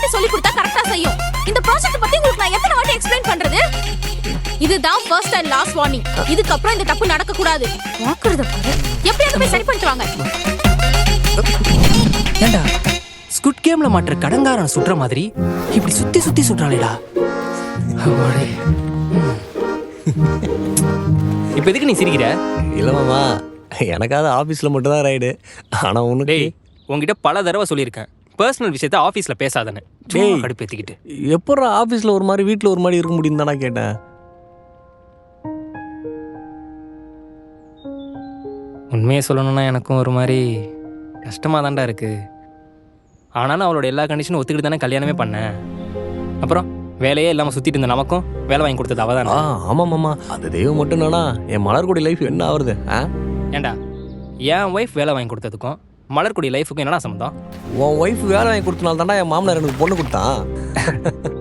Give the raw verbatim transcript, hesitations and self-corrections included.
வாட்டி சொல்லி கொடுத்தா கரெக்டா செய்யும். இந்த ப்ராஜெக்ட் பத்தி உங்களுக்கு நான் எத்தனை வாட்டி எக்ஸ்பிளைன் பண்றது? இதுதான் ஃபர்ஸ்ட் அண்ட் லாஸ்ட் வார்னிங். இதுக்கு அப்புறம் இந்த தப்பு நடக்க கூடாது. வாக்குறத பாரு. எப்படியாவது போய் சரி பண்ணிட்டு வாங்க. ஏண்டா ஸ்குட் கேம்ல மாட்டுற கடங்காரன் சுற்ற மாதிரி இப்படி சுத்தி சுத்தி சுற்றாளேடா. இப்ப எதுக்கு நீ சிரிக்கிற? இல்ல மாமா, எனக்காவது ஆபீஸ்ல மட்டும் தான் ரைடு. ஆனா உனக்கு டேய், உன்கிட்ட பல தடவை சொல்லியிருக்கேன், பர்சனல் விஷயத்த ஆபீஸ்ல பேசாதன்னு. டேய், கடுப்பேத்திக்கிட்டு எப்பறம் ஆபீஸ்ல ஒரு மாதிரி வீட்டுல ஒரு மாதிரி இருக்க முடியும் தானே கேட்டேன். உண்மையை சொல்லணும்னா எனக்கும் ஒரு மாதிரி கஷ்டமாக தான்டா இருக்கு. ஆனாலும் அவளோட எல்லா கண்டிஷனும் ஒத்துக்கிட்டு தானே கல்யாணமே பண்ணேன். அப்புறம் வேலையே இல்லாமல் சுற்றிட்டு இருந்த நமக்கும் வேலை வாங்கி கொடுத்தது அவள் தானே. ஆ ஆமாம் மாமா, அது தெய்வம் மட்டும் என்னன்னா என் மலர்கொடி லைஃப் என்ன ஆகுறது? ஆ ஏண்டா என் ஒய்ஃப் வேலை வாங்கி கொடுத்ததுக்கும் மலர்கொடி லைஃபுக்கும் என்னடா சம்மந்தம்? உன் ஒய்ஃப் வேலை வாங்கி கொடுத்தனால தானே என் மாமனார் எனக்கு பொண்ணு கொடுத்தான்.